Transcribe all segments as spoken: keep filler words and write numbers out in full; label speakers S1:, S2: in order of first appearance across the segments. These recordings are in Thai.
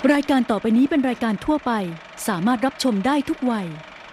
S1: รายการต่อไปนี้เป็นรายการทั่วไปสามารถรับชมได้ทุกวัย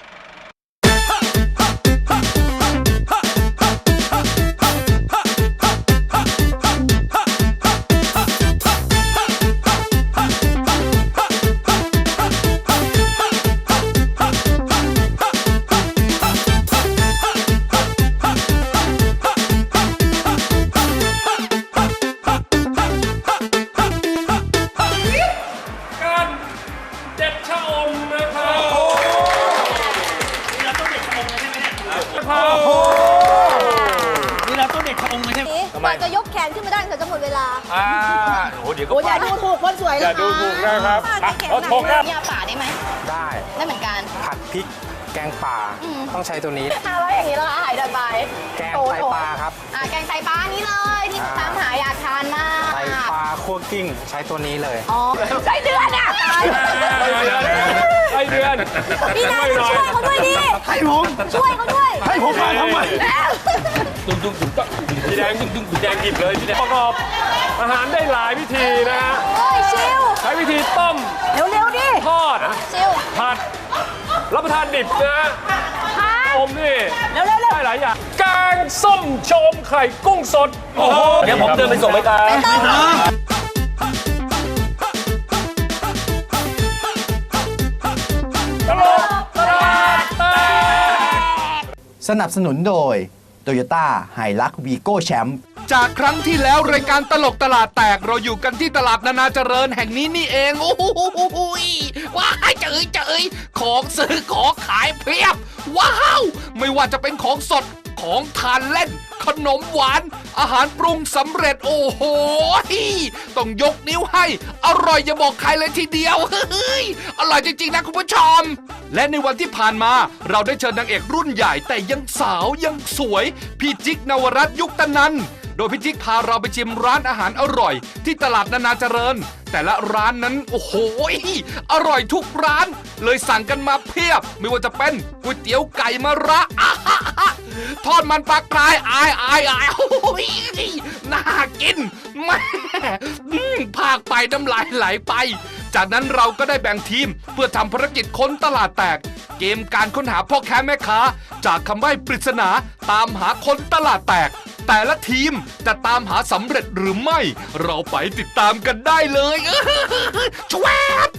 S2: กว่าจะยกแขนขึ้นมาได้เธอจะหมดเวลา
S3: อ่าโอ้เดี๋ยวก็
S2: โอ้อย่าดูถูกคนสวยเลย
S3: อย่าดูถูกนะครับ
S2: เราโชว์ครับยาป่าได้ไหม
S4: ได้
S2: ได้เหมือนกัน
S4: ผัดพริกแกงป่าต้องใช้ตัวนี้
S2: ถ้าว่าอย่างนี้เราหายดันไป
S4: แกงไตปลาครับ
S2: อ่าแกงไตปลานี้เลยที่ตามหาอยากทานมาก
S4: ไตปลาคั่วกิ้งใช้ตัวนี้เลย
S2: อ๋อใช้เดือนอ่ะ
S3: ไอเดือน
S2: พี่นายช่วยเขาด้วยดิ
S4: ให้ผม
S2: ช่วยเขาด้วย
S4: ให้ผมมาทำไม
S3: ตุ้งตุ้งตุ้งตุ้งพี่แดงตุ้งตุ้งพี่แดงหยิบเลยพี่แดงประกอบอาหารได้หลายวิธีนะฮะ
S2: โอ้ยชิว
S3: ใช้วิธีต้ม
S2: เร็วๆดิ
S3: ทอด
S2: ชิว
S3: ผัดรับประทานดิบนะอมนี่ได้หลายอย่างแกงส้มโชมไข่กุ้งสดโอ้โหเดี๋ยวผมเดินไปส่งไปกัน
S5: สนับสนุนโดย Toyota Hilux Vigo Champ
S6: จากครั้งที่แล้วรายการตลกตลาดแตกเราอยู่กันที่ตลาดนานาเจริญแห่งนี้นี่เองโอ้โหว้ายเจ๋ยเจ๋ยของซื้อของขายเพียบว้าวไม่ว่าจะเป็นของสดของทานเล่นขนมหวานอาหารปรุงสำเร็จโอ้โหต้องยกนิ้วให้อร่อยอย่าบอกใครเลยทีเดียวเฮ้ยอร่อยจริงๆนะคุณผู้ชมและในวันที่ผ่านมาเราได้เชิญนางเอกรุ่นใหญ่แต่ยังสาวยังสวยพี่จิ๊กนวรัตน์ยุคตนันโดยพี่จิ๊กพาเราไปชิมร้านอาหารอร่อยที่ตลาดนานาเจริญแต่ละร้านนั้นโอ้โหอร่อยทุกร้านเลยสั่งกันมาเพียบไม่ว่าจะเป็นก๋วยเตี๋ยวไก่มะระทอดมันปลากรายอายอายอายโอ้ยน่ากินแม่ภาคไปน้ำลายไหลไปจากนั้นเราก็ได้แบ่งทีมเพื่อทำภารกิจค้นตลาดแตกเกมการค้นหาพ่อค้าแม่ค้าจากคำใบ้ปริศนาตามหาคนตลาดแตกแต่ละทีมจะตามหาสำเร็จหรือไม่เราไปติดตามกันได้เลยชวบ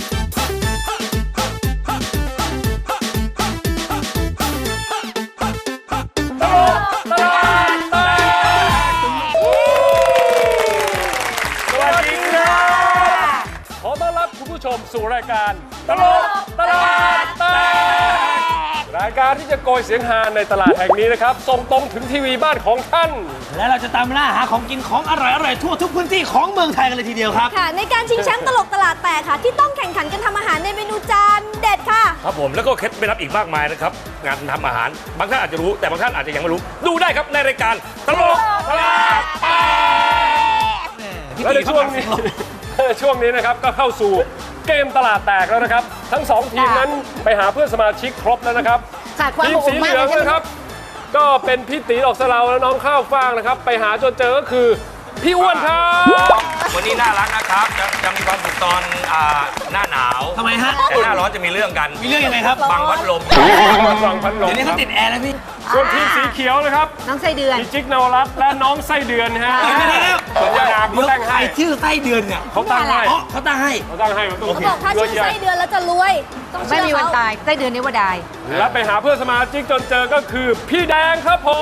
S3: สู่รายการตลกตลาดแตกรายการที่จะโกยเสียงฮาในตลาดแห่งนี้นะครับส่งตรงถึงทีวีบ้านของท่าน
S7: และเราจะตามล่าหาของกินของอร่อยๆทั่วทุกพื้นที่ของเมืองไทยกันเลยทีเดียวครับ
S2: ค่ะในการชิงแชมป์ตลกตลาดแตกค่ะที่ต้องแข่งขันกันทำอาหารในเมนูจานเด็ดค่ะ
S3: ครับผมแล้วก็เคล็ดไม่รับอีกมากมายนะครับงานทำอาหารบางท่านอาจจะรู้แต่บางท่านอาจจะยังไม่รู้ดูได้ครับในรายการตลกตลาดแตกและในช่วงนี้ช่วงนี้นะครับก็เข้าสู่เกมตลาดแตกแล้วนะครับทั้งสองทีมนั้นไปหาเพื่อนสมาชิกครบแล้วนะครับทีมสีเหลืองนะครับก็เป็นพี่ตีดอกสะเลาและน้องข้าวฟ่างนะครับไปหาจนเจอก็คือพี่อ้วนครับ
S8: วันนี้น่ารักนะครับจะจะมีความสุขตอนหน้าหนาว
S7: ทำไมฮะ
S8: แต่หน้าร้อนจะมีเรื่องกัน
S7: มีเรื่องยังไงครับ
S8: บังพัดลม
S3: บังพัดลม
S7: เดี๋ยวนี้เขาติดแอร์แล้วพี่
S3: ส่วนทีมสีเขียวนะครับ
S2: น้องไส้เดือน
S3: พี่จิ๊กนวรัตน์และน้องไส้เดือนฮะสัญญาเขาตั้งให้
S7: ชื่อไส้เดือนเนี่ย
S3: เขาตั้งให้
S7: เขาตั้งให้
S3: เขาตั้งให้
S2: เขาบอกถ้าชื่อไส้เดือนแล้วจะรวย
S9: ไม่มีวันตายไส้เดือนนี้ว่าได้
S3: และไปหาเพื่อนสมาชิกจนเจอก็คือพี่แดงครับผม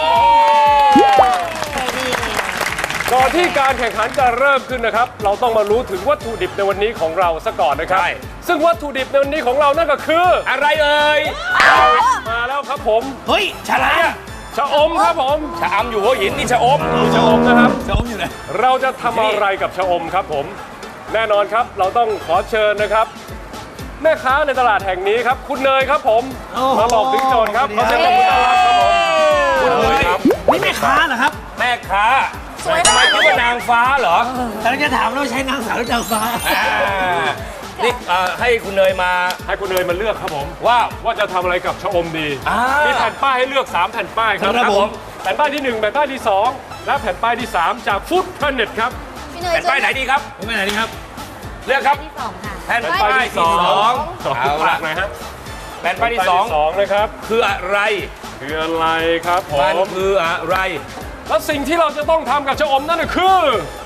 S3: ก่อนที่การแข่งขันจะเริ่มขึ้นนะครับเราต้องมารู้ถึงวัตถุดิบในวันนี้ของเราซะก่อนนะครับซึ่งวัตถุดิบในวันนี้ของเรานั่นก็คือ
S8: อะไรเอ่ย
S3: มาแล้วครับผม
S7: เฮ้ยชะลัง
S3: ชะอมครับผม
S8: ชะอมอยู่หัวหินนี่ชะอม
S3: ชะอมนะครับ
S7: ชะอมอยู่ไหน
S3: เราจะทำอะไรกับชะอมครับผมแน่นอนครับเราต้องขอเชิญนะครับแม่ค้าในตลาดแห่งนี้ครับคุณเนยครับผมมาบอกถึงโจทย์ครับขอเชิญคุณต้อนรับครับผม
S7: คุณเนยครับนี่แม่ค้าเหรอครับ
S8: แม่ค้าทำไมคิดว่านางฟ้าเหรอ
S7: แต่จะถามว่าใช้นางสาวหรือนางฟ้า
S8: นี่ให้คุณเนยมา
S3: ให้คุณเนยมาเลือกครับผม
S8: ว่า
S3: ว่าจะทำอะไรกับชะอมดีมีแผ่นป้ายให้เลือกสามแผ่นป้ายครับผมแผ่นป้ายที่หนึ่งแผ่นป้ายที่สองและแผ่นป้ายที่สามจากฟู้ดแพลเน็ตครับ
S8: แผ่นป้ายไหนดีครับ
S7: แผ่นป้ายไหนดีครับ
S8: เลือกครับ
S9: ที่สองค่ะ
S8: แผ่นป้ายที่สองเอาละ
S3: หน่อยฮะ
S8: แผ่นป้ายที่สอง
S3: สองนะครับ
S8: คืออะไร
S3: คืออะไรครับผ
S8: มัน
S3: ม
S8: คืออะไร
S3: แล้วสิ่งที่เราจะต้องทำกับชะอมนั่นก็คือ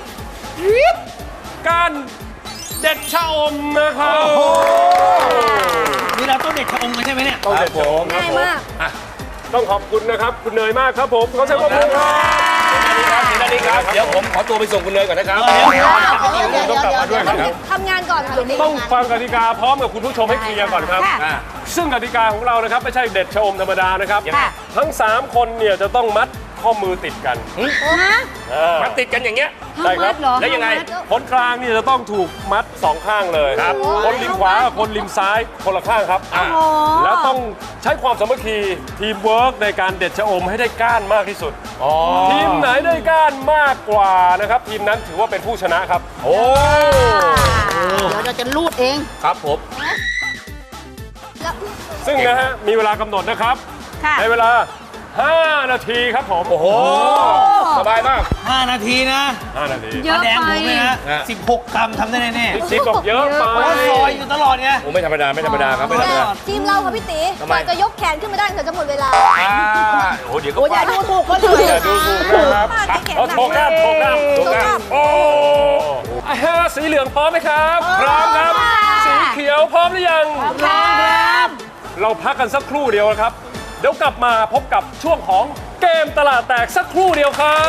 S3: การเด็ดชะอมนะครับ
S7: นี่เราต้องเด็ดชะอมกันใช่ไหมเนี่ย
S3: ต้องเด็ดชะอมครับ
S2: ง่าย
S3: ผม
S2: มาก
S3: ต้องขอบคุณนะครับ คุณเนยมากครับผมเขาใช้ความรู้ครับ
S8: ครับเดี๋ยวนี้ครับ เดี๋ยวผมขอตัวไปส่งคุณเนยก่อนนะครับ
S2: เดี๋ยวเดี๋ยวเดี๋ยวเดี๋ยวเดี๋ยวทำงานก่อนค่ะ
S3: ต้องฟังกติกาพร้อมกับคุณผู้ชมให้เคลียร์ก่อนครับ
S8: อ่า
S3: ซึ่งกติกาของเรานะครับไม่ใช่เด็ดชะอมธรรมดานะครับ
S9: ค่ะ
S3: ทั้งสามคนเนี่ยจะต้องมัดข้อมือติดกัน
S2: ฮะ
S3: อ่า
S8: มันติดกันอย่างเงี้ย
S3: ใช่ครับ
S2: เหรอ
S8: แล้วยังไง
S3: คนกลางนี่จะต้องถูกมัดสองข้างเลย
S8: ครับ
S3: คนริมขวากับคนริมซ้ายคนละข้างครับ
S8: อ่า
S3: แล้วต้องใช้ความสามัคคีทีมเวิร์กในการเด็ดชะอมให้ได้ก้านมากที่สุด
S8: อ๋อ
S3: ทีมไหนได้ก้านมากกว่านะครับทีมนั้นถือว่าเป็นผู้ชนะครับ
S8: โอ้
S9: เดี๋ยวเราจะรูดเอง
S8: ครับผม
S2: แล้ว
S3: ซึ่งนะฮะมีเวลากำหนดนะครับ
S9: ค่ะ
S3: ในเวลา ห้า นาทีครับผม
S8: โอ้โห สบายมาก
S7: ห้า นาทีนะ
S3: ห้านาที
S9: เยอะ
S7: แดง
S9: ไป
S7: ผมเลยนะ
S8: ฮะ
S7: สิบหกกรัมทำได้แน่
S3: พี่จิ๊บบอกเยอะไป
S7: ๆเพราะว่าซอยอยู่ตลอดไง
S8: โอ้ไม่ธรรมดาไม่ธรรมดาครับไม่ธรรมดา
S2: ทีมเราค่ะพี่ตี
S8: ทำ
S2: ก
S8: ไม
S2: ว่าจะยกแขนขึ้นมาได้เธอจะหมดเวลา
S8: อ่าโอ้เดี๋ยวก็
S9: โอ้ยอย่าดูถูกคนอื่น
S3: อย่าดูถูกนะครับ
S2: ป้าแขน
S3: เอา
S2: หนัก
S3: โชกหน้าโชกหน้า
S2: โชกหน้า
S3: โอ้อ่ะฮะสีเหลืองพร้อมไหมครับ พร้อมครับ สีเขียวพร้อมหรือยัง
S9: พร้อมครับ
S3: เราพักกันสักครู่เดียวนะครับ เดี๋ยวกลับมาพบกับช่วงของเกมตลาดแตกสักครู่เดียวครับ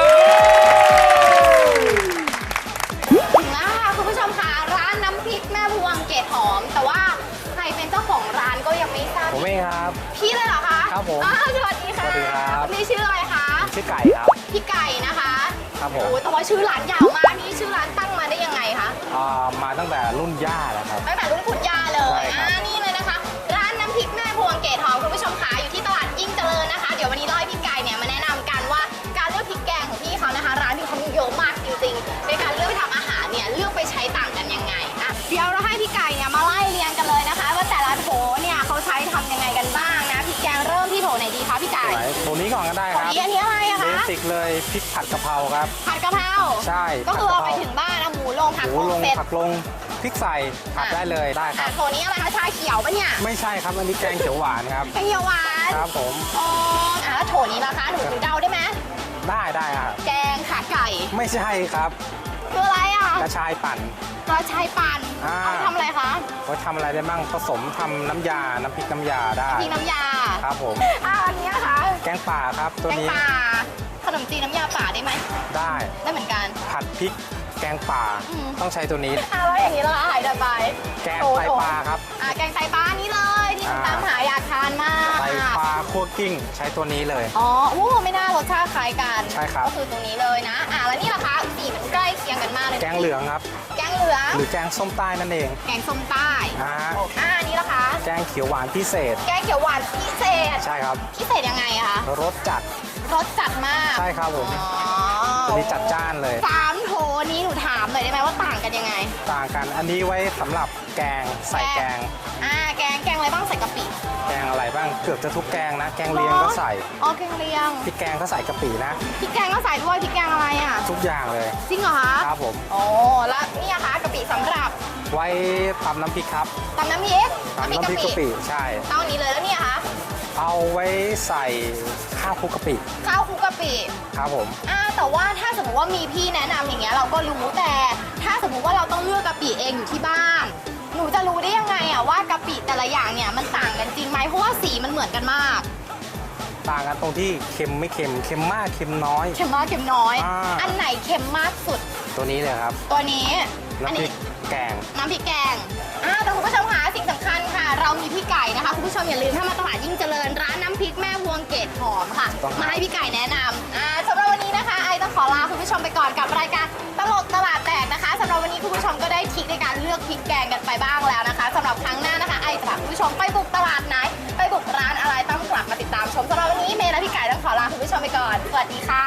S10: ถึงแล้วค่ะคุณผู้ชมค่ะร้านน้ำพริกแม่พวงเกตหอม แต่ว่าใครเป็นเจ้าของร้านก็ยังไม่ทราบ
S4: ผมเองครับ
S10: พี่เลยเหรอคะ
S4: ครับผม
S10: อ้าวสวัสดีค่ะ
S4: สวัสดีครับ
S10: พี่ชื่ออะไรคะ
S4: ชื่อไก่ครับ
S10: พี่ไก่นะคะ
S4: ครับผม
S10: โอ้แต่ว่าชื่อร้านยาวมากนี่ชื่อร้านตั้งมาได้ยังไงคะ
S4: อ่ามาตั้งแต่รุ่นย่าแล้วครับ
S10: ตั้งแต่รุ่นคุณย่าเล
S4: ใช่
S10: ย
S4: ครับ
S10: อ่านี่เลยนะคะ ร้านน้ำพริกแม่พวงเกตหอมคุณผู้ชมค่ะอยู่ที่ตลาดยิ่งเจริญนะคะ เดี๋ยววันนี้เราให้พี่ไก่เนี่ยมาแนะนำกันว่าการเลือกพริกแกงของพี่เขานะคะ ร้านพี่เขามีเยอะมากจริงๆในการเลือกไปทำอาหารเนี่ยเลือกไปใช้ต่างกันยังไงอ่ะเดี๋ยวเราให้พี่ไก่เนี่ยมาไล่เรียงกันเลยนะคะ ว่าแต่ละโถเนี่ยเขาใช้ทำยังไงกันบ้างนะพริกแกงเริ่มที่โถไหนดีคะพี่ไก่
S4: ไหนตัวนี้ก่อนก็ได้
S10: โถ
S4: ครับ
S10: นี้อันนี้อะไรอะ
S4: เบ
S10: คะ
S4: สิกเลยพริกผัดกะเพราครับ
S10: ผัดกะเพรา
S4: ใช่
S10: ก็คือเอาไป
S4: ผัดกะเพรา
S10: ถึงบ้านเอาหมูลงผัก
S4: หมู
S10: ล
S4: ล
S10: ง
S4: ง
S10: เสร็จ
S4: ผักลงพริกใส่ผัดได้เลยได้ค
S10: อ่ะ
S4: รับ
S10: โถนี้อะไรคะชาเขียวปะเนี่ย
S4: ไม่ใช่ครับอันนี้แกงเขียวหวานครับ
S10: แกงเขียวหวาน
S4: ครับผม
S10: อ๋ออ่ะแล้วโถนี้ล่ะคะหนูหนูเดาได้ไหม
S4: ได้ได้ครับ
S10: แกงขาไก่
S4: ไม่ใช่ครับ
S10: คืออะไรอ่ะ
S4: กระชายปั่น
S10: กระชายปั่น
S4: อ่า
S10: เอาไปทำอะไรคะ
S4: ไว้ทำอะไรได้บ้างผสมทำน้ำยา น้ำพริกน้ำยาได้
S10: พริกน้ำยา
S4: ครับผม
S10: อ่าอันนี้นะคะ
S4: แกงป่าครับตัว
S10: แกง
S4: นี้
S10: ป่าขนมจีนน้ำยาป่าได้ไหม
S4: ได้
S10: ได้เหมือนกัน
S4: ผัดพริกแกงป่า
S10: อืม
S4: ต้องใช้ตัวนี้
S10: อ่าแล้วอย่างนี้เราหายไป
S4: แกง
S10: โถ
S4: ไตปลาครับ
S10: อ่าแกงไตปลานี่เลยที่หนู
S4: อ่า
S10: ตามหาอยากทานมาก
S4: ไตปลาคั่วกิ้งใช้ตัวนี้เลย
S10: อ๋อโอ้ไม่น่ารสชาติคล้ายกัน
S4: ใช่ครับ
S10: ก็คือตรงนี้เลยนะ อ่าแล้วนี่ล่ะคะสีมันใกล้เคียงกันมากเลย
S4: แกงเหลืองครับ
S10: แกงเหลือง
S4: หรือแกงส้มใต้นั่นเอง
S10: แกงส้มใต้
S4: อ่า
S10: อ่าอันนี้ล่ะคะ
S4: แกงเขียวหวานพิเศษ
S10: แกงเขียวหวานพิเศษ
S4: ใช่ครับ
S10: พิเศษยังไงอะคะ
S4: รสจัด
S10: รสจัดมาก
S4: ใช่ครับผม
S10: อ๋อ
S4: ตัวนี้จัดจ้านเลย
S10: สามโถนี้หนูถามหน่อยได้ไหมว่าต่างกันยังไง
S4: ต่างกันอันนี้ไว้สำหรับแกงใส่แกง
S10: อ่าแกงแกงอะไรบ้างใส่กะปิ
S4: แกงอะไรบ้างเกือบจะทุกแกงนะ แกงเลียงก็ใส่
S10: อ๋อแกงเลียง
S4: พริกแกงก็ใส่กะปินะ
S10: พริกแกงก็ใส่ด้วยพริกแกงอะไรอ่ะ
S4: ทุกอย่างเลย
S10: จริงเหรอคะ
S4: ครับผม
S10: อ๋อแล้วนี่อะคะกะปิสำหรับ
S4: ไว้ตำน้ำพริกครับ
S10: ตำน้ำพริก
S4: ตำน้ำพริกกะปิใช่
S10: เท่านี้เลยแล้วเนี่ยคะ
S4: เอาไว้ใส่ข้าวคลุกกะปิ
S10: ข้าวคลุกกะปิ
S4: ครับผม
S10: อ่าแต่ว่าถ้าสมมติว่ามีพี่แนะนำอย่างเงี้ยเราก็รู้แต่ถ้าสมมติว่าเราต้องเลือกกะปิเองอยู่ที่บ้าน หนูจะรู้ได้ยังไงอะว่ากะปิแต่ละอย่างเนี่ยมันต่างกันจริงไหมเพราะว่าสีมันเหมือนกันมาก
S4: ต่างกันตรงที่เค็มไม่เค็มเค็มมากเค็มน้อย
S10: เค็มมากเค็มน้อย
S4: อ่า
S10: อันไหนเค็มมากสุด
S4: ตัวนี้เลยครับ
S10: ตัวนี้อัน
S4: น้ำพริ
S10: นี้
S4: กแกง
S10: น้ำพริกแกงอ่าแต่คุณผู้ชมคะสิ่งสำคัญค่ะ เรามีพี่ไก่นะคะคุณผู้ชมอย่าลืมถ้ามาตลาดยิ่งเจริญร้านน้ำพริกแม่พวงเกตหอมค่ะ
S4: ต้องครับ
S10: มาให้พี่ไก่แนะนำอ่าสำหรับวันนี้นะคะไอต้องขอลาคุณผู้ชมไปก่อนกับรายการตลกตลาดแตกนะคะสำหรับวันนี้คุณผู้ชมก็ได้ทริคในการเลือกพริกแกงกันไปบ้างแล้วนะคะสำหรับครั้งหน้านะคะไอจะพาคุณผู้ชมไปบุกตลาดไหนไปบุกร้านอะไรต้องกลับมาติดตามชมสำหรับวันนี้เมย์และพี่ไก่ต้องขอลาคุณผู้ชมไปก่อนสวัสดีค่ะ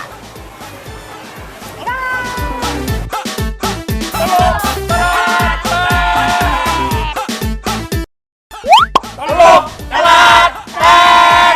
S10: บ๊ายบาย
S3: ตลกตลาดแตก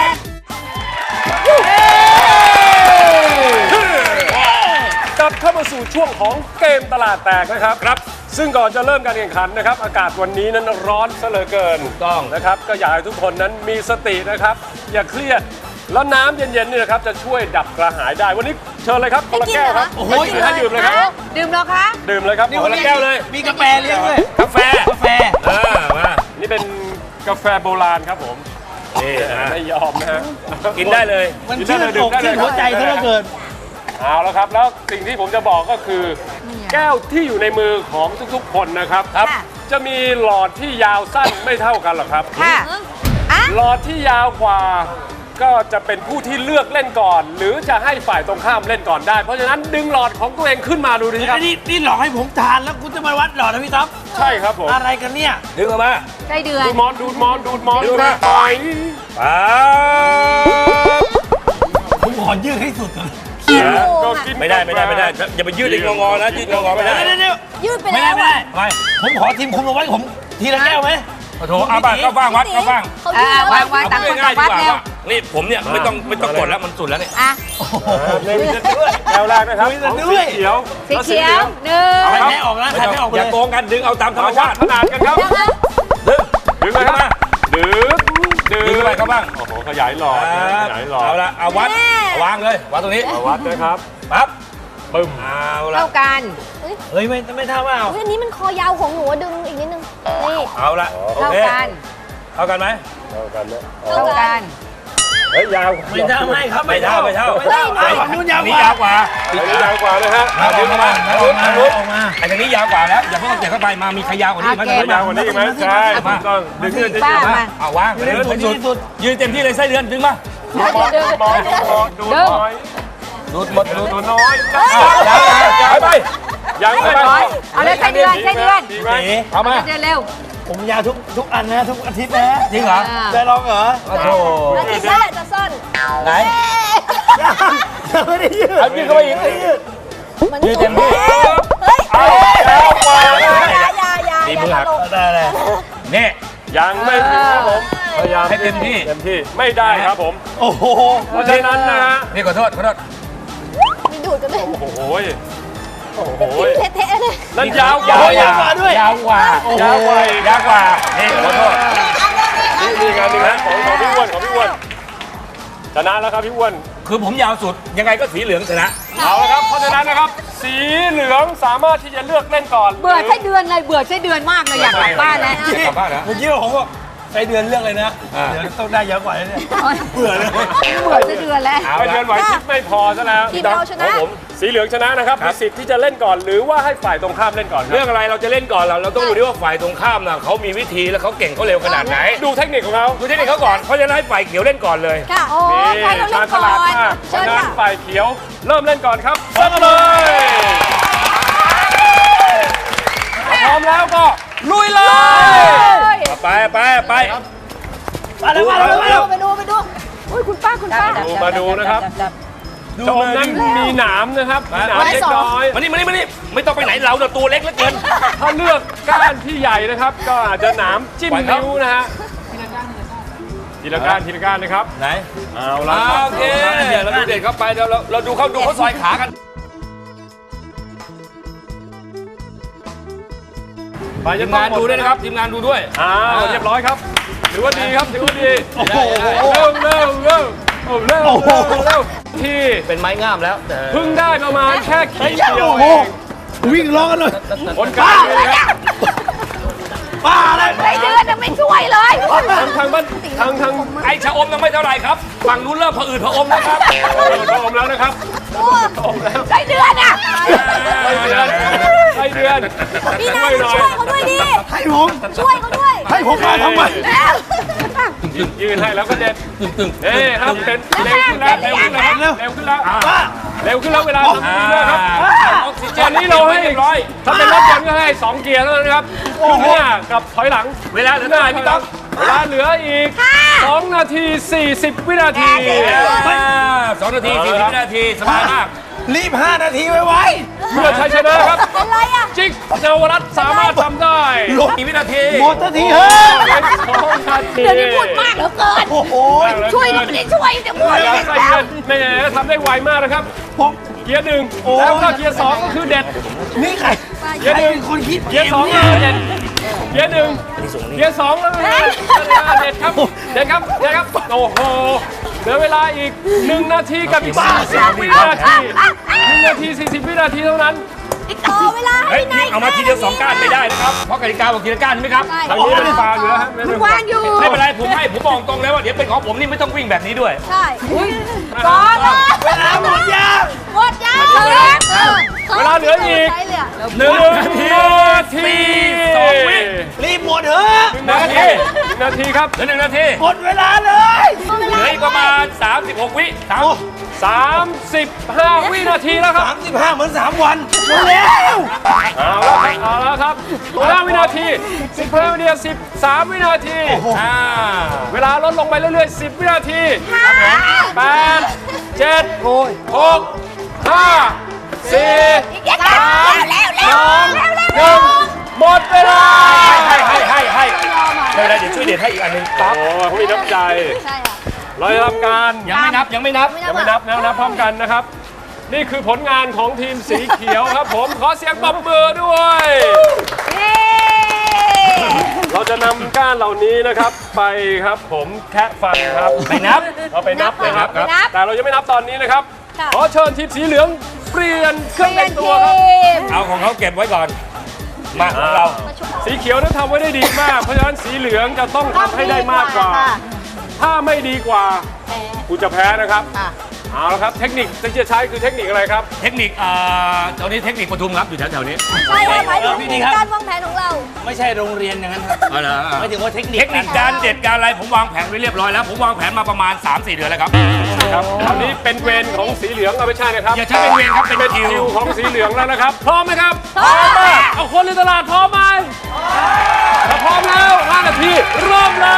S3: กลับเข้ามาสู่ช่วงของเกมตลาดแตกนะครับครับ
S11: ซึ่งก่อนจะเริ่มการแข่งขันนะครับ อากาศวันนี้นั้นร้อนซะเหลือเกิน
S3: ถูกต้อง
S11: นะครับ ก็อยากให้ทุกคนนั้นมีสตินะครับ อย่าเครียด แล้วน้ำเย็นๆนี่นะครับจะช่วยดับกระหายได้ วันนี้เชิญเลยครับคนละแก้วครับ
S7: โอ้โห
S11: ให้ดื่มเลยครับ
S9: ดื่มแล้วคะ
S11: ดื่มเลยครับคนละแก้วเลย
S7: มีกาแฟเลี้ยงด้วย
S3: กาแฟ
S7: กาแฟ
S3: เออมา
S11: นี่เป็นกาแฟโบราณครับผม
S3: นี่นะ
S11: ไม่ยอมนะฮะ
S3: กินได้เลย
S7: มันชื่นอกชื่นหัวใจซะเหลือเกิน
S11: เอาแล้วครับแล้วสิ่งที่ผมจะบอกก็คือ แก้วที่อยู่ในมือของทุกๆคนนะครับ
S3: ครับ
S11: จะมีหลอดที่ยาวสั้นไม่เท่ากันหรอกครับ
S9: ค่ะอ่ะ
S11: หลอดที่ยาวกว่าก็จะเป็นผู้ที่เลือกเล่นก่อน หรือจะให้ฝ่ายตรงข้ามเล่นก่อนได้ เพราะฉะนั้นดึงหลอดของตัวเองขึ้นมาดูดิครับ
S7: นี่นี่หลอกให้ผมทานแล้วคุณจะมาวัดหลอดนะพี่ต๊อบ
S11: ใช่ครับผม
S7: อะไรกันเนี่ย
S3: ดึงออกมา
S9: ไส้เดือน
S11: ดูดมอนดูดมอนดูดมอน
S3: ดูดมา
S11: ไป
S3: ปั๊บ
S7: ผมขอยืดให้สุดก่อน
S11: ก็กิน
S3: ไม่ได้ไม่ได้ไม่ได้อย่าไปยืดอีกงอๆนะยืดงอๆไม่ได้
S7: เดี๋ยวเดี๋ยว
S2: ยืดไป
S7: ไม่
S2: แล้
S7: ได้
S2: ว
S7: ไม่ได้
S3: ไม่
S7: ผมขอทีมคุณมาวัดผมทีละแก้วไหม
S3: โอ้โหเอาบ้างก็บ้างวัดก็บ้าง
S2: เขา
S9: อ่ะ
S2: ยืด
S9: วาง
S2: แล้ว
S9: วางต่าง
S3: เอา
S9: คน
S3: ง่า
S9: ต่าย ง
S3: ๆดี
S9: วัด
S3: กว่า
S9: เร็ว
S3: ว่านี่ผมเนี่ยไม่ต้องไม่ต้องกดแล้วมันสุดแล้วเนี่ย
S9: อ่ะ
S11: เล่นกันด้วยแก้วแรกนะครับของสีเขียว
S9: สีเขียวหนึ่ง
S7: ใครไม่ออกนะใครไม่ออก
S3: อ
S7: เล
S3: ย่าย โกงกันดึงเอาตามธรรม
S11: เอาวั
S3: ชา
S11: ด
S3: ติ
S11: ขนาดกันครับ
S3: ดึง
S11: ดึงเลยครับดึงดึง
S3: ดึงเข้าไปเข้าบ้าง
S11: โอ้โหขยายหลอดขยายหลอด
S3: เอาละเอาวัดเอาวางเลยวางตรงนี้
S11: เอาวัดนะครับ
S3: ปั๊บ
S11: ปึ้ม
S3: เอาละ
S9: เท่ากัน
S7: เฮ้ยไม่ไม่ท่าว่าเอา
S2: เฮ้ยอันนี้มันคอยาวของหนูดึงอีกนิดนึง นี่
S3: เอาละโอ
S9: เท่า
S3: เค
S9: กัน
S3: เท่ากันไหม
S11: เท่ากันนะ
S9: เท่ากัน
S11: เฮ้ยยาว
S7: ไม่ท่าไม่ครับ
S3: ไม่เท่าไม่เท่า
S7: ไม่เท่าไม่เท่านู่นยาว
S3: อัน
S7: ก
S3: นี้
S7: ว่า
S3: ยาวกว่า
S11: อันนี้ยาวกว่านะฮะ
S3: เอาดึงเข้ามา
S7: เอา
S3: เอา
S7: มา
S3: ลุก
S7: เอามา
S3: ไอ้ทางนี้ยาวกว่าแล้วอย่าเพิ่งเก็บเข้าไปมามีใครยาวกว่านี้ไหม
S9: โอเค
S11: ยาวกว่านี้อีกไหมใช่ถูกต้องดึงขึ้นจะ
S9: ป้า
S11: ยืด
S9: มา
S3: เอาวาง
S7: ยืนสุดยืนสุด
S3: ยืนเต็มที่เลยไส้เดือนดึงมา
S11: ดูดมอนดูดมอนดูดมอนดูดน้อย
S3: ดูดหมดดูด
S11: ดูดน้อย
S3: ยาวยาวไป
S11: ยังไม่พอ
S9: เอาเลยไส้เดือนไส้เดือน
S11: ดีไหม
S3: เอามา
S9: ไส้เดือนเร็ว
S7: ผมยาวทุกทุกอันนะทุกอาทิตย์นะ
S3: จริงเหรอ
S7: ได้ลองเหรอ
S3: โอ้โห
S2: แล้วที่นั่นแหละจะซ่อน
S3: ไหน
S7: ยังไม่ได้ยืด
S3: เอายืดเข้าไปอีก
S2: มัน
S3: ยืดเต็มที่
S2: เฮ้ย
S11: เอาแล้วกว่า
S2: อย่าอย่าอย่าอย่า
S3: ตี
S2: อย่า
S3: มือหัก
S2: ตลก
S7: ได้เลย
S3: นี่
S11: ยังไม่ถึงครับผมพยายาม
S3: ให้เต็มที่
S11: เต็มที่ไม่ได้ครับผม
S7: โอ้โห
S11: เพราะฉะนั้นนะฮะ
S3: นี่ขอโทษขอโทษ
S2: มีดูดกันเลย
S11: โอ้โหโอ้โห
S2: เทะๆเลย
S11: นั่นยาวก
S3: ยา
S11: ว่าว
S3: กว่าด้วยยาวกว่ายาวกว่ายาวกว่านี่ขอโทษ
S11: นี่นี่งานนี่นะของของพี่อ้วนของพี่อ้วนชนะแล้วครับพี่อ้วน
S3: คือผมยาวสุดยังไงก็สีเหลืองชนะ
S11: เอาละครับเพราะฉะนั้นนะครับ สีเหลืองสามารถที่จะเลือกเล่นก่อน
S9: เบื่อไส้เดือนเลยเบื่อไส้เดือนมากเลยอยากกลับบ้านแล้ว
S3: กลับบ้านนะ
S7: เมื่อกี้ผมบอกใช้เดือนเรื่องเลยนะ เดี๋ยวต้องได้เยอะกว่านี้เนี่ยเบื่อเลย
S9: เบื่อไส้เดือนแล้ว
S3: เอา
S11: ไป
S3: ละ
S11: เดือนไหวพริบไม่พอซะแล้ว
S2: ทีมเราชนะ
S11: ของผมสีเหลืองชนะนะครับมีสิทธิ์ที่จะเล่นก่อน หรือว่าให้ฝ่ายตรงข้ามเล่นก่อนค
S3: เรื่
S11: รั
S3: อบ งอะไรเราจะเล่นก่อนเราเราต้องดูด้วยว่าฝ่ายตรงข้ามน่ะเขามีวิธีแล้วเขาเก่งเขาเร็วขนาดไหน
S11: ดูเทคนิคของเขา
S3: ดูเทคนิคเขาก่อนเพราะฉะนั้นให้ฝ่ายเขียวเล่นก่อนเลย
S2: ค่ะ โอ้
S11: นี่
S2: ใครเราเล่
S11: ชาน ญฉ
S2: ก่อ
S11: ลาด
S2: น
S11: มากเพ
S2: เชิ
S11: ราะ
S2: ญ
S11: ฉะนั้น
S2: ค่ะ
S11: ฝ่ายเขียวเริ่มเล่นก่อนครับเริ่มเลยพร้อมแล้วก็ลุยเลย
S3: ไปไปไป
S7: มาแล้วมาแล้วมาแล้ว
S2: ไปดูไปดูอุ้ยคุณป้าคุณป้า
S11: ดูมาดูนะครับจมนั้นมีหนามนะครับมีหนามเล็กน้อย
S3: มานี่มานี่มานี่ไม่ต้องไปไหนเราเนี่ยตัวเล็กเหลือเกิน
S11: ถ้าเลือกก้านที่ใหญ่นะครับ ก็อาจจะหนามจิ้ม
S3: ปล่อยครับ
S11: นิ้วนะฮะทีละก้านทีละก้านนะครับ
S3: ไหน
S11: เอาละครับ
S3: โอเคเดี๋ยวเราดูเด็กเข้าไปเดี๋ยวเราเราดูเขาดูเขาซอยขากัน
S11: ไป
S3: ที
S11: จะ
S3: ม
S11: ต้อง
S3: งานดูด้วยนะครับทีมงานดูด้วย
S11: อ้าวเรียบร้อยครับถือว่าดีครับถือว่าดี
S3: โอ้โห
S11: เร็วเร็วเร็วโอ้เร็วเร็วเร็วที่
S3: เป็นไม้งามแล้ว
S11: เพิ่งได้ประมาณแค่ขีดเดียวเอง
S7: วิ่งร้องกันเลย
S11: คนกลางเลยครับ
S7: ป้าอะไร
S9: ไส้เดือนยังไม่ช่วยเลย
S11: ทางทางบ้านทางทาง
S3: ไอชะอมยังไม่เท่าไหร่ครับฝั่งนู้นเริ่มผะอืดผะอมนะครับ
S11: พร้อมแล้วนะครับพร้อมแล้ว
S9: ไส้เดือนอ่ะ
S11: ไส้เดือนไส้เดือน
S2: พี่นายช่วยเขาด้วยดิ
S7: ให้ผม
S2: ช่วยเขาด้วย
S7: ให้ผมมาทำไม
S11: ยืนให้แล้วก็เด็ด
S3: ตึงตึง
S11: เอ้ครับเป็นเร็วขึ้นแล้วเร็วขึ้นแล้วเร็วขึ้นแล้ว
S7: ป้า
S11: เร็วขึ้นแล้วเวลาทำดีเลยครับ
S3: ออกซิเจ
S11: ตอน นนี้เราให้
S3: เรียบร้อย
S11: ถ้าเป็นรถยนต์ก็ให้สองเกียร์เท่านั้นนะครับข้างหน้ากับถอยหลัง
S3: เวลาเหลือเท่าไหร่พี่ต๊อก
S11: เวลาเหลืออีกสองนาทีสี่สิบวินาที
S3: สองนาทีสี่สิบวินาทีสบายมาก
S7: รีบห้านาทีไว้ไว้
S11: เพื่อชัยชนะครับ
S2: เป็นไรอ่ะ
S11: จิ๊กเยาวรัตน์สามารถทำได้
S7: ลบ
S3: กี่วินาที
S7: หมดนาทีเฮ้ย
S11: เหลือสองนาที
S9: เดี๋ยวนี้พูดมากเหลือเกิน
S7: โอ้โห
S9: ช่วยก็ไม่ได้ช่วยจะพูด
S11: อย่า
S9: เลย
S11: ใส่เงินแหมทำได้ไวมากนะครับ
S7: ผม
S11: เกียร์หนึ่งแล้วก็เกียร์สองก็คือเด็ด
S7: นี่ใคร
S11: เกียร์หนึ่ง
S7: คนคิด
S11: เกียร์สองก็เด็ดเกียร์หนึ่งเกียร์สองแล้วเด็ดครับเด็ดครับเด็ดครับโอ้โหเหลือเวลาอีกหนึ่งนาทีกับอีกสี่สิบวินาทีหนึ่งนาทีสี่สิบวินาทีเท่านั้น
S2: ต่อเวลา
S3: เฮ้
S2: ให้
S3: ย
S2: นาย
S3: นี่เอามาทีเดียวสองก้านไม่ได้นะครับ เพราะกติกาบอกทีละก้านใช่ไหมครับ
S11: ทางนี้เป็นฟาวอยู่แล้วฮะ
S9: มันวางอยู่
S3: ไม่เป็นไรผมให้ผมบอกตรงแล้วว่าเดี๋ยวเป็นของผมนี่ไม่ต้องวิ่งแบบนี้ด้วย
S2: ใช่
S9: ก่อนนะ
S7: เวลาหมดยัง
S9: หมดยังเลย
S11: เวลาเหลืออีก
S2: ใช้เลยอะ
S11: หนึ่งนาที
S3: สองวิ
S7: รีบหมดเถอะ
S11: หนึ่งนาทีหนึ่งนาทีครับ
S3: เหลือหนึ่งนาที
S7: หมดเวลาเลย
S3: เหลืออีกประมาณสามสิบหกวิสาม
S11: สามสิบห้าวินาทีแล้วครับ
S7: สามสิบห้าเหมือนสามวันเร็ว
S11: เอาแล้วครับเอาแล้วครับห้าวินาทีสิบห้าวินาทีสิบสามวินาทีอ่าเวลาลดลงไปเรื่อยๆสิบวินาทีแปดเจ็ดหกห้าสี่สามสองหนึ่งหมดเวลา
S3: ให้ให้ให้ให้ไม่เป็นไรเดี๋ยวช่วยเด็ดให้อีกอันหนึงปั๊บ
S11: โอ้เขามีน้ำใจ
S2: ใช่ค่ะ
S11: เราจะทำการ
S3: ยังไม่นับยังไม่นับ
S11: ยังไม่นับนะนับพร้อมกันนะครับ นี่คือผลงานของทีมสีเขียวครับผม ขอเสียงปรบมือด้วย เราจะนำก้านเหล่านี้นะครับ ไปครับผมแคะฟันครับ
S3: ไปนับ
S11: เราไปนับเลยครับ
S2: ไปนับ
S11: แต่เรายังไม่นับตอนนี้นะครับ
S2: ค่ะ
S11: ขอเชิญทีมสีเหลืองเปลี่ยนเครื่องแต่งตัวครับ
S3: เอาของเขาเก็บไว้ก่อน มาของเรา
S11: สีเขียวนั้นทำไว้ได้ดีมาก เพราะฉะนั้นสีเหลืองจะต้องทำให้ได้มากกว่า ถ้าไม่ดีกว่าคุณจะแพ้นะครับ เอาละครับเทคนิคที่จะใช้คือเทคนิคอะไรครับ
S3: เทคนิคอ่าตอนนี้เทคนิคปทุมครับอยู่แถวๆนี้
S2: ใช่ค่ะหมายถึงการวางแผนของเรา
S7: ไม่ใช่โรงเรียนอย่างนั้นครับ
S3: เอาละ
S7: ไม่ถึงว่าเทคนิค
S3: เทคนิคการเด็ดการอะไรผมวางแผนไว้เรียบร้อยแล้ว ผมวางแผนมาประมาณ สามสี่ เดือนแล้วครับ
S11: ครับตอนนี้เป็นเวรของสีเหลืองเอาไม่ใช่นะครับ
S3: อย่าใช้เป็นเวรครับเป็นคิว
S11: คิวของสีเหลืองแล้วนะครับ พร้อมไหมครับ พร้อมเอาคนในตลาดพร้อมไหมถ้าพร้อมแล้วห้านาทีเริ่มเลย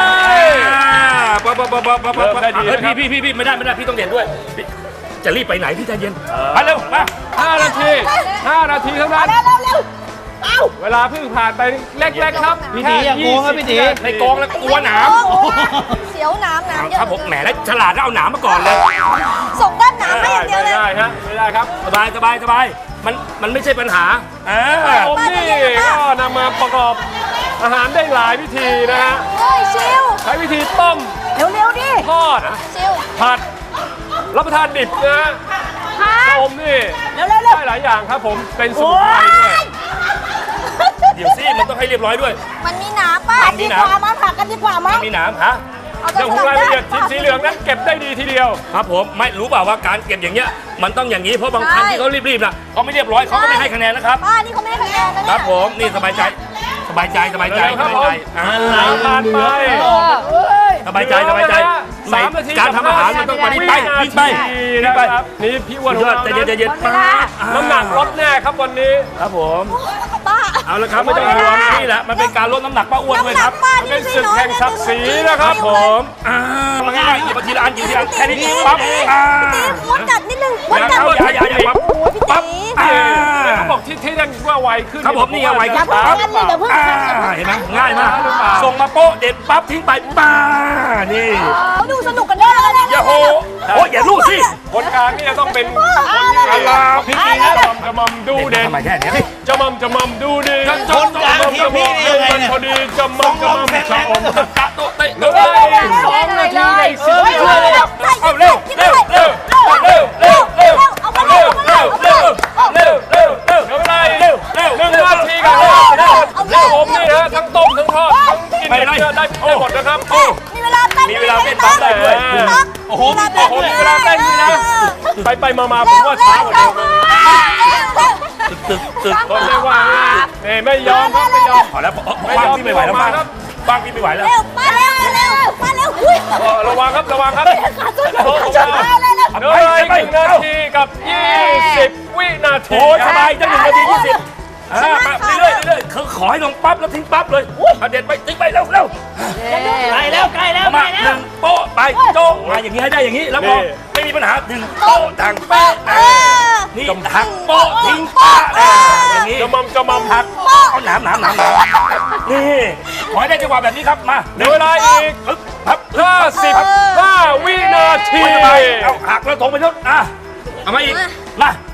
S3: ปั๊บปั๊บปั๊บปั๊บปั๊บ
S11: เริ่มได้ดีนะครับ
S3: พี่พี่พี่ไม่ได้ไม่ได้พี่ต้องเด่นด้วยพี่จะรีบไปไหนพี่ใจเย็นไปเร็วมา
S11: ห้านาทีห้านาทีเท่านั้น เวลาเพิ่งผ่านไปเล็กๆครับ
S7: พี่ตีอย่าโกงครับพี่ตี
S3: ในกองแล้วกลัวหนาม
S2: โอ้โหเสียวน้ำน้ำเยอะ
S3: ครับผมแหมแล้วฉลาดแล้วเอาหนามมาก่อนเลย
S2: ส่งด้านน้ำให้อย่างเดียว
S11: ไม่
S2: เลย
S11: ได้ฮะไม่ได้ครับ
S3: สบายสบายสบายมันมันไม่ใช่ปัญหาอ่า
S11: ผมนี่ก็นำมาประกอบอาหารได้หลายวิธีนะฮะ
S2: เฮ้ยชิว
S11: ใช้วิธีต้ม
S2: เร็วๆดิ
S11: ทอด
S2: ชิว
S11: ผัด รับประทานดิบนะฮะต้มนี่
S2: เร็วๆ
S11: ได้หลายอย่างครับผมเป็นสมุนไพรด้วย
S3: เดี๋ยวสิมันต้องให้เรียบร้อยด้วย
S2: มันมีน้ำป่ะ
S3: มีหนาม
S2: มาผักกันดีกว่ามั้ง
S3: มีหนามฮะ
S2: เอา
S11: เรื่องของรายละเอียดทีมสีเหลืองนั้นเก็บได้ดีทีเดียว
S3: ครับผมไม่รู้เปล่าว่าการเก็บอย่างเงี้ยมันต้องอย่างนี้เพราะบางครั้งที่เขารีบๆนะเขาไม่เรียบร้อยเขาก็ไม่ให้คะแนนนะครับ
S2: ป้านี่เขาไม่ให้คะแนนนะ
S3: ค
S2: เนี่
S3: รั
S2: ย
S3: บผมนี่สบายใจสบายใจสบายใจ
S11: เร็วๆครับ
S3: สบายใจ
S11: ผม
S3: อ่า
S11: ผ่านไป
S3: สบายใจสบายใจ
S11: สามนาที
S3: การทำอาหารมันต้องไปวิ่งไปวิ่งไปวิ่ง
S11: นะ
S3: ไป
S11: ครับนี่พี่อ้วน
S3: ยอด
S11: ของ
S3: ใจ
S11: เรา
S3: เย็นใจเย็น
S11: น้ำหนักลดแน่ครับวันนี้
S3: ครับผม
S2: ป้า
S3: เอาละครับไม่ต้องห่วงนี่แหละมันเป็นการลดน้ำหนักป้าอ้วนด้วยครับ
S2: ป้า
S11: มัน
S2: นี่
S11: เป็น
S2: ไม่
S11: ศึก
S2: น้อย
S11: แห่งศักดิ์ศรีนะครับผม
S3: อ่ามันง่ายๆหยิบมาทีละอันหยิบทีละอันแค่นี้ปั๊บอ่า
S2: มดกัดนิดนึงมด
S3: อย่า
S2: กัด
S3: อย่าอย่าอย่าปั๊บ
S2: โอ้ยพี่
S3: ปั๊บ
S2: ตี
S3: อ่า
S11: เขาบอกที่ที่นั่นว่าไวขึ้น
S3: ครับผมนี่ไงไวขึ้น
S11: ช้า
S3: ปั๊บ
S11: หรือเปล่า
S3: อ่าเห็นไหมง่ายมากส่งมาโป๊ะเด็ดปั๊บทิ้งไปป้านี่
S2: เขาดูสนุกกันด้วยเลย
S3: อย่าโหโอ้ยอย่าลูกสิ
S11: คนกลางนี่จะต้องเป็นคนที่มีลาพิธีนะจำจะมัมดูเด่น
S3: ทำไมแค่เนี้ย
S11: จะมัมจะมัมดูดี
S7: คนกลางทีมพี่นี่ยังไงเนี่ย
S11: พอดีจะมัมจะมัมชะอม
S3: ตะโตะเตะ
S11: เหลืออีกสองนาทีในสิบวินาทีครับ
S3: เอาเร็วเร็วเร็วเร็วเร็วเร็ว
S2: เอามาเร็วเอามาเร็ว
S3: เร็วเร็วเร็วเร็ว
S11: เหลือเวลาอีก
S3: เร็วเร็ว
S11: หนึ่งนาทีกับห้าสิบแล้วผมนี่ฮะทั้งต้มทั้งทอดทั้งกินได้ได้ได้หมดนะครับ
S2: มีเวลาเต้น
S3: มีเวลาเต้นปั๊บได้ด้วย
S11: โอ้โหโอ้โหมีเวลาเต้นด้วยนะ ไปไปมามาผมว่าช้ากว่าเดิม
S3: ตึกตึกตึก
S11: ก็ไม่ว่านี่ไม่ยอมครับไม่ยอม
S3: พอแล้วบ้างพี่ไม่ไหวแล้วบ้างบ้างพี่ไม่ไหวแล้ว
S2: เร็วมาเร็วมาเร็วมาเร็วอุ้ย
S11: เออระวังครับระวังครับ
S2: ขาดทุน
S11: โอ้โห
S2: เร็วเร็ว
S11: เหลืออีกหนึ่งนาทีกับยี่สิบวินาที
S3: โอ้สบายจังหนึ่งนาทียี่สิบอ่าไปเรื่อยเรื่อยคือขอให้ลงปั๊บแล้วทิ้งปั๊บเลยเด็ดไปทิ้งไปเร็วเร็ว
S7: ใกล้แล้วใกล้แล้ว
S3: มาหนึ่งโป๊ะไปโจ๊ะมาอย่างนี้ให้ได้อย่างนี้แล้วพอไม่มีปัญหาหนึ่งโป๊ะดังแป๊ะนี่หักโป๊ะทิ้งป๊ะอย่างนี้
S11: จะมัมจะมัมหัก
S3: เอาหนามหนามหนามหนามนี่ขอให้ได้จังหวะแบบนี้ครับมา
S11: เหลือเวลาอีก
S3: ครับ
S11: ห้าสิบห้าวินาที
S3: เอาหักแล้วถงไปนู้นอ่ะเอามาอีกมา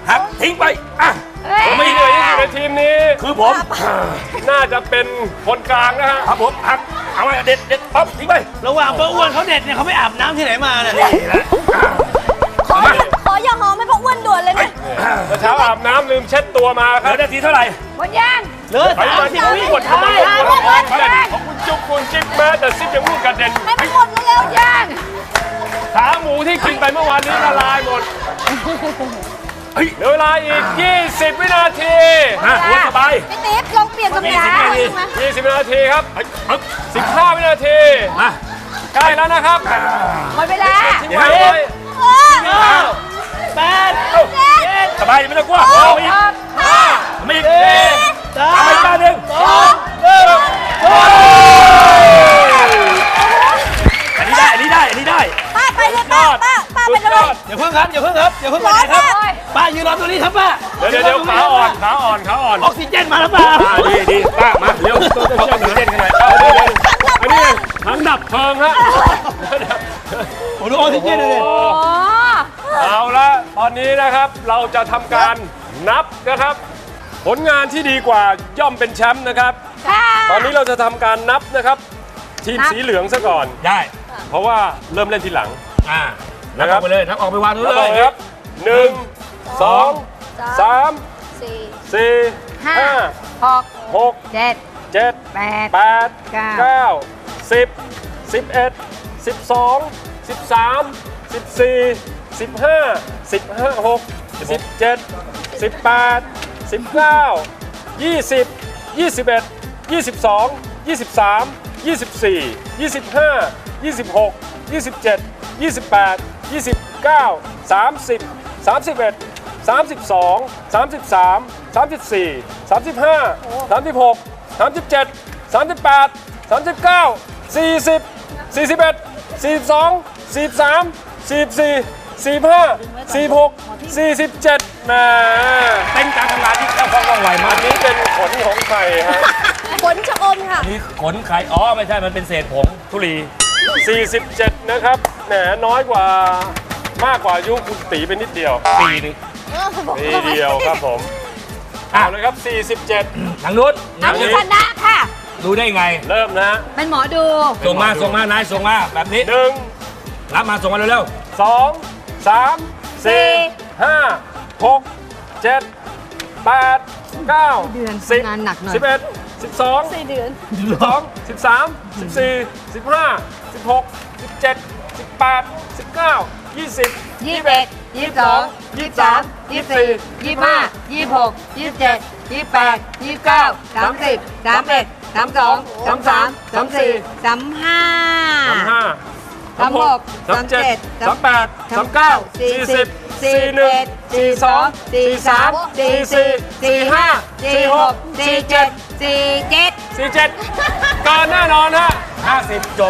S3: หักทิ้งไปอ่ะ
S11: ผมไม่เหนื่อยที่สุดในทีมนี้
S3: คือผม
S11: น่าจะเป็นคนกลางนะฮะ
S3: ครับผมหักเอาไว้เด็ดเด็ดปั๊บทิ้งไประ
S7: หว่างป้าอ้วนเขาเด็ดเนี่ยเขาไม่อาบน้ำที่ไหนมาเนี่ย
S3: นี่แหละ
S2: ขอขออย่าหอมให้พ่ออ้วนด่วนเลยนะ
S11: เมื่อเช้าอาบน้ำลืมเช็ดตัวมาค
S3: เหลื
S11: รับ
S3: อนาทีเท่าไหร่
S9: หมดยัง
S7: เหลือ
S11: ไป
S7: สาม
S11: มา
S7: สิ
S11: ที่
S7: บ
S11: ผม
S7: วิ
S11: กดทำไมผมกดพร้อมกันของคุณจุ๊บคุณจิ๊บแม้แต่ซิปยังลูกกระเด็น
S2: ให้มันหมดเร็วๆ
S9: ยัง
S11: ขาหมูที่กินไปเมื่อวานนี้ละลายหมด
S3: เฮ้ย
S11: เหลือเวลาอีก ยี่สิบ วินาที
S3: ฮะโอ้สบาย
S2: พี่ติ๊บลองเปลี่ยนตำแหน่ง
S3: ยี่สิบวินาที
S11: ยี่สิบ วินาทีครับ
S3: เฮ้ยปึ๊บ
S11: สิบห้า วินาที
S3: มา
S11: ใกล้แล้วนะครับ
S9: หมดเวลา
S11: ทิ้งไว้เลย
S7: เก้าแปดเจ็ด
S3: สบายไม่ต้องกลัวเอาอีกไม่อีก
S7: สา
S3: ทำ
S7: ม
S3: ไปก้าหนึ่ง
S7: สองหนึ่ง
S3: อันนี้ได้อันนี้ได้อันนี้ได้
S2: ป้าไปเลยป้าป้าป้าไปเลย
S7: อย่าเพิ่งครับอย่าเพิ่งครับอย่าเพิ่งไปไหนครับป้ายืนรอตรงนี้ครับป้า
S11: เดี๋ยวเดี๋ยวเดี๋ยวขาอ่อนขาอ่อนขาอ่อน
S7: ออกซิเจนมาแล้วป้า
S3: อ่าดีดีป้ามาเร็วเอาเอาเต้นกันหน่อย
S11: เอาเดี๋ยวเดี๋ยวอันนี้ถังดับเพลิงฮะ
S7: ผมดูออกซิเจนเลย
S11: โอ้
S9: อ๋อ
S11: เอาละตอนนี้นะครับเราจะทำการนับนะครับ ผลงานที่ดีกว่าย่อมเป็นแชมป์นะครับ
S9: ค่ะ
S11: ตอนนี้เราจะทำการนับนะครับ ทีมสีเหลืองซะก่อน
S3: ได้
S11: เพราะว่าเริ่มเล่นทีหลัง
S3: อ่านับออกไปเลยนับออกไปวางนู้น
S11: แล้ว
S3: เล
S11: ต่
S3: ย
S11: อครับหนึ่งสองสาม
S2: สี่
S11: สี่
S9: ห้า
S11: ห้า
S9: หก
S11: หก
S9: เจ็ด
S11: เจ็ด
S9: แปด
S11: แปด
S9: เก้า
S11: เก้าสิบสิบเอ็ดสิบสองสิบสามสิบสี่สิบห้าสิบห้าหกสิบเจ็ดสิบแปดสิบเก้ายี่สิบยี่สิบเอ็ดยี่สิบสองยี่สิบสามยี่สิบสี่ยี่สิบห้ายี่สิบหกยี่สิบเจ็ดยี่สิบแปดยี่สิบเก้าสามสิบสามสิบเอ็ดสามสิบสองสามสิบสามสามสิบสี่สามสิบห้าสามสิบหกสามสิบเจ็ดสามสิบแปดสามสิบเก้าสี่สิบสี่สิบเอ็ดสี่สิบสองสี่สิบสามสี่สิบสี่สี่สิบห้าสี่สิบหกสี่สิบเจ็ดแหม
S3: เป็นการทำงานที่แค่ว่องไวมา
S11: อั
S3: ก
S11: นนี้เป็นขนของไข่ฮะ
S2: ขนชะอมค่ะ
S3: นี่ขนไข่อ๋อไม่ใช่มันเป็นเศษผงทุลี
S11: สี่สิบเจ็ดนะครับแหมน้อยกว่ามากกว่าอายุคุณตีไปนิดเดียว
S3: ปีหนึง
S11: ปีเดียวครับผมเอาเลยครับสี่สิบเจ็ด
S3: ทางนู้น
S9: อันนี้ชนะค่ะ
S3: ดูได้ไง
S11: เริ่มนะ
S9: เป็นหมอดู
S3: ส่งมาส่งมานายส่งมาแบบนี้
S11: หนึ่ง
S3: รับมาส่งมาเร็ว
S11: สองสามสี่ห้าหกเจ็ดแปดเก้า
S9: เดือน
S11: สิบ
S9: งานหนักหน่อย
S11: สิบเอ็ดสิบสอง
S2: สี่เดือน
S11: สิบสองสิบสามสิบสี่สิบห้าสิบหกสิบเจ็ดสิบแปดสิบเก้ายี่สิบ
S9: ยี่สิบเอ็ดยี่สิบสองยี่สิบสามยี่สิบสี่ยี่สิบห้ายี่สิบหกยี่สิบเจ็ดยี่สิบแปดยี่สิบเก้าสามสิบสามเอ็ดสามสองสามสามสามสี่สามห้า
S11: สามห้า
S9: สามหก
S11: สามเจ็ด
S9: สา
S11: สาม ม
S9: แป
S11: แป
S9: ด
S11: ดสามเก้าสี่สิบสี่หนึ่งสี่สองสี่สามสี่สี่สี่ห้าสี่หกสี่เจ็ด
S9: สี่เจ็ด
S11: สี่เจ็ดเกินแน่นอนฮะ
S3: ๆห้าสิบจบ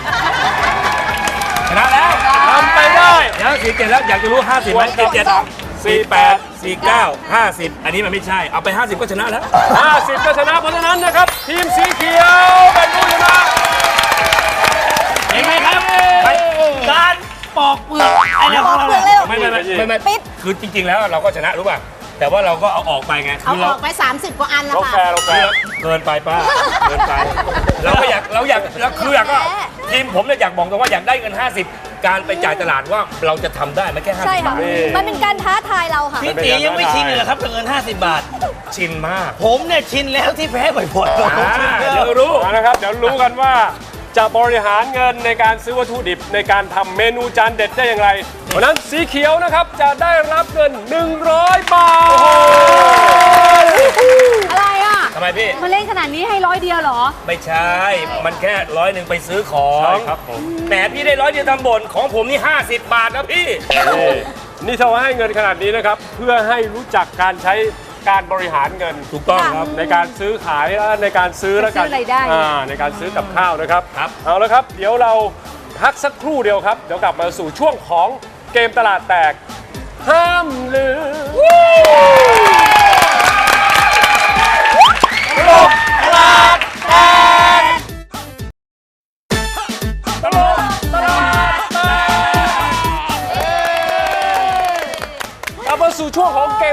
S3: ชนะแล้ว
S11: ทำไปได้
S3: เดี๋ยวสี่เจ็ดแล้วอยากจะรู้ห้าสิบไหมสี่เจ็ดสี่แปดสี่เก้าห้าสิบอันนี้มันไม่ใช่เอาไปห้าสิบก็ชนะแล้ว
S11: ห้าสิบก็ชนะเพราะฉะนั้นนะครับ ทีมสีเขียวเป็นผู้ชนะ
S7: เห็นไหมครับการปอกเปลือกไอ้เนี่ยของเรา
S2: ปอกเปลือกเลย
S7: เนี่ย
S2: เหรอ
S3: ไม่ไม่ไม่ไม่ไม่
S2: ปิด
S3: คือจริง ๆ แล้วเราก็ชนะรู้ป่ะแต่ว่าเราก็เอาออกไปไง
S2: เอา
S3: คือ
S2: อ
S3: เรา
S2: อกไป สามสิบ กว่าอันแล้ว
S11: เราแฟ
S2: ค่ะ
S11: ร์เราแฟร์
S3: เกินไปป้าเกินไปเราก็อยากเราอยากเราคืออยากก็ทีมผมเนี่ยอยากบอกตรงว่าอยากได้เงินห้าสิบการไปจ่ายตลาดว่าเราจะทำได้ไม่แค่ห้า
S2: ใช่
S3: สิบ
S2: ค่ะ
S3: บาท
S2: มันเป็นการท้าทายเราค่ะ
S7: พี่ตียังไม่ชินเลยเหรอครับกับเงินห้าสิบบาท
S3: ชินมาก
S7: ผมเนี่ยชินแล้วที่แพ้บ่อยๆ
S3: อ่า
S7: ผมชินแล้ว
S3: เดี๋ยวรู้
S11: เอาละครับ เดี๋ยวรู้กันว่าจะบริหารเงินในการซื้อวัตถุดิบในการทำเมนูจานเด็ดได้อย่างไรเพราะฉะนั้นสีเขียวนะครับจะได้รับเงิน หนึ่งร้อย บาท
S9: อะไรอ่ะ
S3: ทำไมพี่
S9: มาเล่นขนาดนี้ให้ร้อยเดียวเหรอ
S3: ไม่ใช่ มันแค่ร้อยหนึ่งไปซื้อของ
S11: ใช่ครับผม
S3: แหมพี่ได้ร้อยเดียวทำบ่นของผมนี่ห้าสิบบาทนะพี่
S11: นี่นี่ถ้าว่าให้เงินขนาดนี้นะครับ เพื่อให้รู้จักการใช้การบริหารเงิน
S3: ถูกต้องครับ
S11: ในการซื้อขายและในการซื้อและการ
S9: ซื้อรายได้
S11: อ่าในการซื้อกับข้าวนะครับ
S3: ครับ
S11: เอาละครับ เดี๋ยวเราพักสักครู่เดียวครับ เดี๋ยวกลับมาสู่ช่วงของเกมตลาดแตก ห้ามลืม กลับมาสู่ช่วงของเก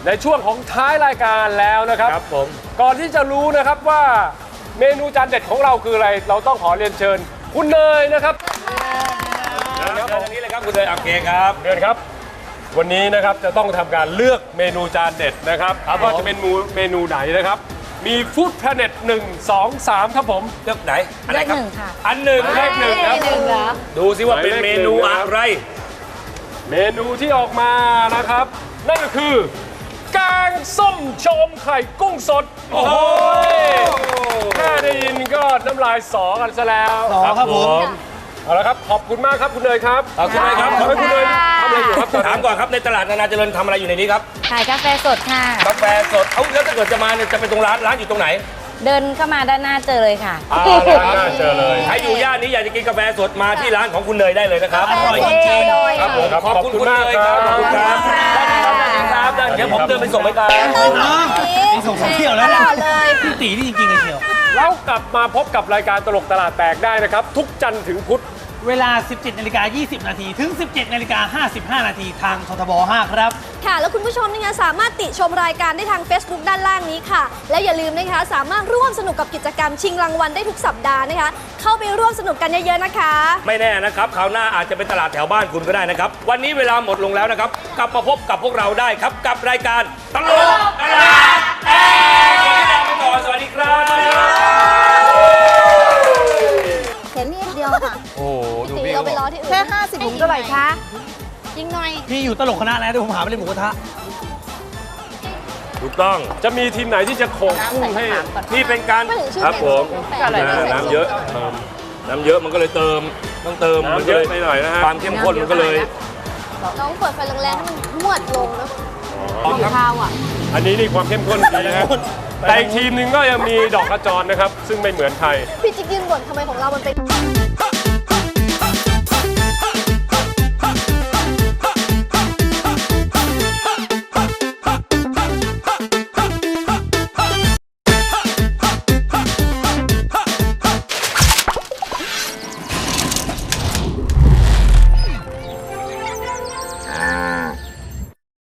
S11: ในช่วงของท้ายรายการแล้วนะครับ
S3: ครับผม
S11: ก่อนที่จะรู้นะครับว่าเมนูจานเด็ดของเราคืออะไร เราต้องขอเรียนเชิญคุณเนยนะครับ
S3: เชิญทางนี้เลยครับคุณเนยโอเคครับ
S11: เชิญครับ วันนี้นะครับจะต้องทำการเลือกเมนูจานเด็ดนะครับว่าจะเป็นเมนูไหนนะครับ มีฟู้ดแพลเน็ตหนึ่งสองสามครับผม
S3: เลือกไหนอันไหนครับ
S9: เลขหนึ่งค่ะ
S3: อันหนึ่ง
S11: เลขหนึ่งครับ
S9: หนึ่งเหรอ
S3: ดูสิว่าเป็นเมนูอะไร
S11: เมนูที่ออกมานะครับ นั่นก็คือแกงส้มโชมไข่กุ้งสด โอ้โหแค่ได้ยินก็น้ำลายสอกันซะแล้ว
S7: สอครับผม
S11: เอาละครับขอบคุณมากครับคุณเนยครับ
S3: ขอบคุณเลยครับ
S11: ขอบคุณเนยทำอะไรอยู่ครับตอน
S3: ถาม
S11: นี้
S3: ก่อนครับในตลาดนานาเจริญทำอะไรอยู่ในนี้ครับ
S9: ขายกาแฟสดค่ะ
S3: กาแฟสด เอาแล้วถ้าเกิดจะมาเนี่ยจะไปตรงร้านร้านอยู่ตรงไหน
S9: เดินเข้ามาด้านหน้าเจอเลยค่ะ
S11: อ่าร้านหน้าเจอเลย
S3: ใครอยู่ย่านนี้อยากจะกินกาแฟสดมาที่ร้านของคุณเนยได้เลยนะครับ
S7: อร่อยจริงๆ
S3: ครับผม
S11: ครับ
S3: ขอบคุณคุณเนยครับ
S11: ขอบคุณครับ
S3: ได้ครับได้ครับได้เดี๋ยวผมเดินไปส่งไปครับ
S7: น้องนี่ส่งสองเที่ยวแล้ว
S2: ต
S7: นะ
S2: ลอดเลย
S7: พี่ตีนี่จริงๆเลยเที่ยว
S11: แล้วกลับมาพบกับรายการตลกตลาดแตกได้นะครับ ทุกจันทร์ถึงพุธ
S7: เวลา สิบเจ็ดนาฬิกายี่สิบนาทีถึง สิบเจ็ดนาฬิกาห้าสิบห้านาทีทางททบห้าครับ
S2: ค่ะ แล้วคุณผู้ชมนะคะสามารถติชมรายการได้ทาง Facebook ด้านล่างนี้ค่ะ และอย่าลืมนะคะสามารถร่วมสนุกกับกิจกรรมชิงรางวัลได้ทุกสัปดาห์นะคะ เข้าไปร่วมสนุกกันเยอะๆนะคะ
S3: ไม่แน่นะครับคราวหน้าอาจจะเป็นตลาดแถวบ้านคุณก็ได้นะครับ วันนี้เวลาหมดลงแล้วนะครับ กลับมาพบกับพวกเราได้ครับ กับรายการตลกตลาดแตกวันนี้ลาไปก่อนสวัสดีครับ
S10: เห็นนิดเดียวค่ะ
S11: โอ้โหดู
S2: ตี
S11: พี่
S2: เราไปรอที่อื่น
S10: แค่ห้าสิบถุงเท่าไหร่คะยิงหน่อย
S7: พี่อยู่ตลกคณะแล้วเดี๋ยวผมหาไปเล่นหมูกระทะ
S3: ถูกต้อง
S11: จะมีทีมไหนที่จะโขกกุ้งให้
S3: นี่เป็นการ
S2: ไม่ถึงชื่อ
S3: ครับผม
S2: เมนู
S3: นะน้ำเยอะเติมน้ำเยอะมันก็เลยเติมต้องเติม
S11: น้ำเยอะไปหน่อยนะฮะ
S3: ความเข้มข้นมันก็เลย
S2: น้องเปิดไฟแรงๆให้มันมวดลงนะ
S10: ข้าวอ่ะ
S11: อันนี้นี่ความเข้มข้นดีนะฮะแต่อีกทีมหนึงก็ยังมีดอกกระจรนะครับ ซึ่งไม่เหมือนใคร
S2: พี่จิ๊กยืนบ่นทำไมของเรามันเป็น